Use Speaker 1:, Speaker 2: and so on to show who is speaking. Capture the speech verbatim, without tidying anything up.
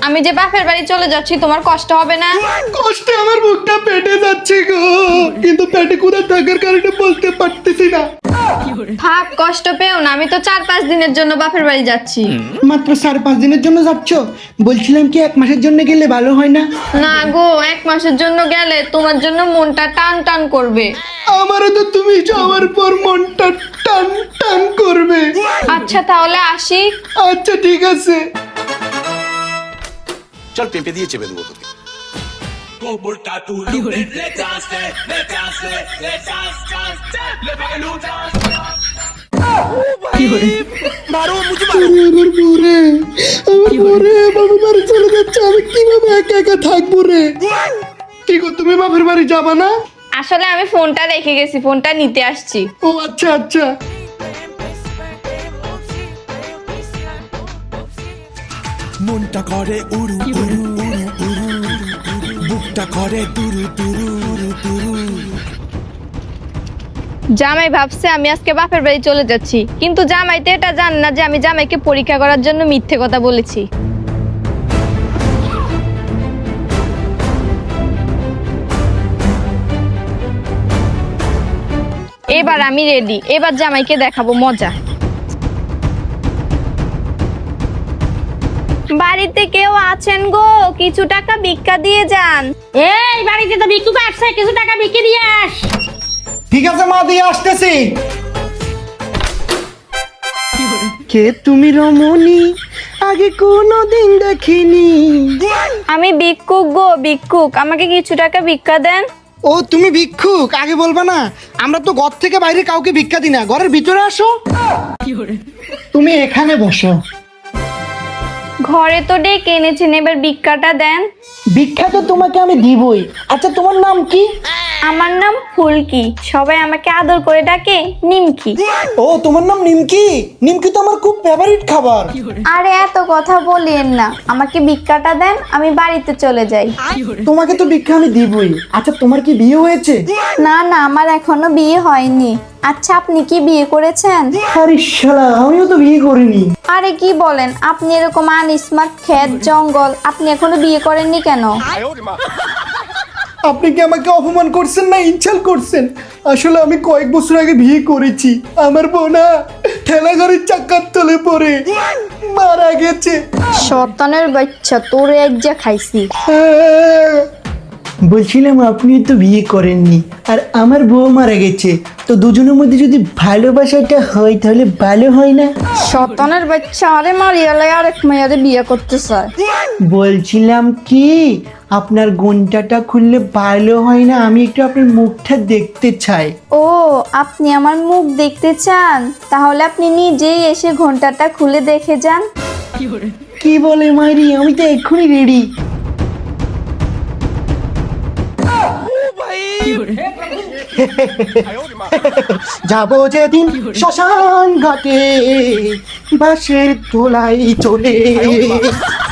Speaker 1: আমি যে বাপের বাড়ি চলে যাচ্ছি তোমার কষ্ট হবে না?
Speaker 2: কষ্টে আমার মুখটা পেটে যাচ্ছে গো, কিন্তু পেটে কুড়া থাকার কারণে বলতে পারতেছি না।
Speaker 1: থাক, কষ্ট পেও না, আমি তো চার পাঁচ দিনের জন্য বাপের বাড়ি যাচ্ছি।
Speaker 2: মাত্র চার পাঁচ দিনের জন্য যাচ্ছ? বলছিলাম কি এক মাসের জন্য গেলে ভালো হয় না?
Speaker 1: না গো, এক মাসের জন্য গেলে তোমার জন্য মনটা টান টান করবে।
Speaker 2: আমারও তো তুমি যাওয়ার পর মনটা টান টান করবে।
Speaker 1: আচ্ছা তাহলে আসি।
Speaker 2: আচ্ছা ঠিক আছে।
Speaker 3: চল পেঁপে দিয়ে চেপে দেবো তোকে।
Speaker 2: আমার পরে আমার পরে বাবার বাড়ি চলে যাচ্ছে, আমি কিভাবে একা একা থাকবো রে? কি গো, তুমি বাপের বাড়ি যাবা না?
Speaker 1: আসলে আমি ফোনটা রেখে গেছি, ফোনটা নিতে আসছি।
Speaker 2: ও আচ্ছা আচ্ছা।
Speaker 4: মনটা করে উড়ু উড়ু উড়ু উড়ু, বুকটা করে দুরু দুরু উড়ু দুরু।
Speaker 1: জামাই ভাবছে আমি আজকে বাপের বাড়ি চলে যাচ্ছি, কিন্তু জামাই তো এটা জান না যে আমি জামাইকে পরীক্ষা করার জন্য মিথ্যে কথা বলেছি। এবার আমি রেডি, এবার জামাইকে দেখাবো মজা। বাড়িতে কেউ আছেন গো? কিছু টাকা ভিক্ষা দিয়ে যান।
Speaker 5: এই বাড়িতে তো ভিক্ষুক আসছে, কিছু টাকা ভিক্ষে দিয়ে আস।
Speaker 2: ঠিক আছে মা, দিয়ে আসতেছি। কে তুমি রমণী, আগে কোনোদিন দেখিনি।
Speaker 1: আমি ভিক্ষুক গো, ভিক্ষুক, আমাকে কিছু টাকা ভিক্ষা দেন।
Speaker 2: ও তুমি ভিক্ষুক, আগে বলবা না? আমরা তো ঘর থেকে বাইরে কাউকে ভিক্ষা দিই না, ঘরের ভিতরে আসো। তুমি এখানে বসো।
Speaker 1: ঘরে তো ডেকে এনেছেন, এবার ভিক্ষাটা দেন।
Speaker 2: ভিক্ষা তো তোমাকে আমি দিবই। আচ্ছা তোমার নাম কি?
Speaker 1: আমার নাম ফুলকি, সবাই আমাকে আদর করে ডাকে নিমকি।
Speaker 2: ও তোমার নাম নিমকি? নিমকি তো আমার খুব ফেভারিট খাবার।
Speaker 1: আরে এত কথা বলেন না, আমাকে ভিক্ষাটা দেন, আমি বাড়িতে চলে যাই।
Speaker 2: তোমাকে তো ভিক্ষা আমি দিবই। আচ্ছা তোমার কি বিয়ে হয়েছে?
Speaker 1: না না, আমার এখনো বিয়ে হয়নি। আচ্ছা আপনি কি বিয়ে করেছেন?
Speaker 2: আরে শালা, আমিও তো বিয়ে করিনি।
Speaker 1: আরে কি বলেন, আপনি এরকম আনস্মার্ট, ক্ষেত জঙ্গল, আপনি এখনো বিয়ে করেননি কেন?
Speaker 2: আপনি কি আমাকে অপমান করছেন না ইনসাল্ট করছেন? আসলে আমি কয়েক বছর আগে বিয়ে করেছি। আমার বোনা ঠেলা গাড়ির চাকার তলে পড়ে মারা গেছে।
Speaker 1: শয়তানের বাচ্চা, তোরে এক যা খাইছি।
Speaker 2: বলছিলাম আপনি তো বিয়ে করেননি আর আমার বউ মারা গেছে, তো দুজনের মধ্যে যদি ভালোবাসাটা হয় তাহলে ভালো হয় না?
Speaker 1: শয়তানের বাচ্চা, আরে মারিয়ালে আরেক মেয়ারে বিয়ে করতে চায়।
Speaker 2: বলছিলাম কি, আপনার ঘন্টাটা খুললে ভালো হয় না? আমি একটু আপনার মুখটা দেখতে চাই।
Speaker 1: ও, আপনি আমার মুখ দেখতে চান? তাহলে আপনি নিজেই এসে ঘন্টাটা খুলে দেখে যান।
Speaker 2: কি বলে মাইরি, আমি তো এক্ষুনি রেডি। যাবো যেদিন শ্মশান ঘাটে, বাঁশের তোলাই চলে।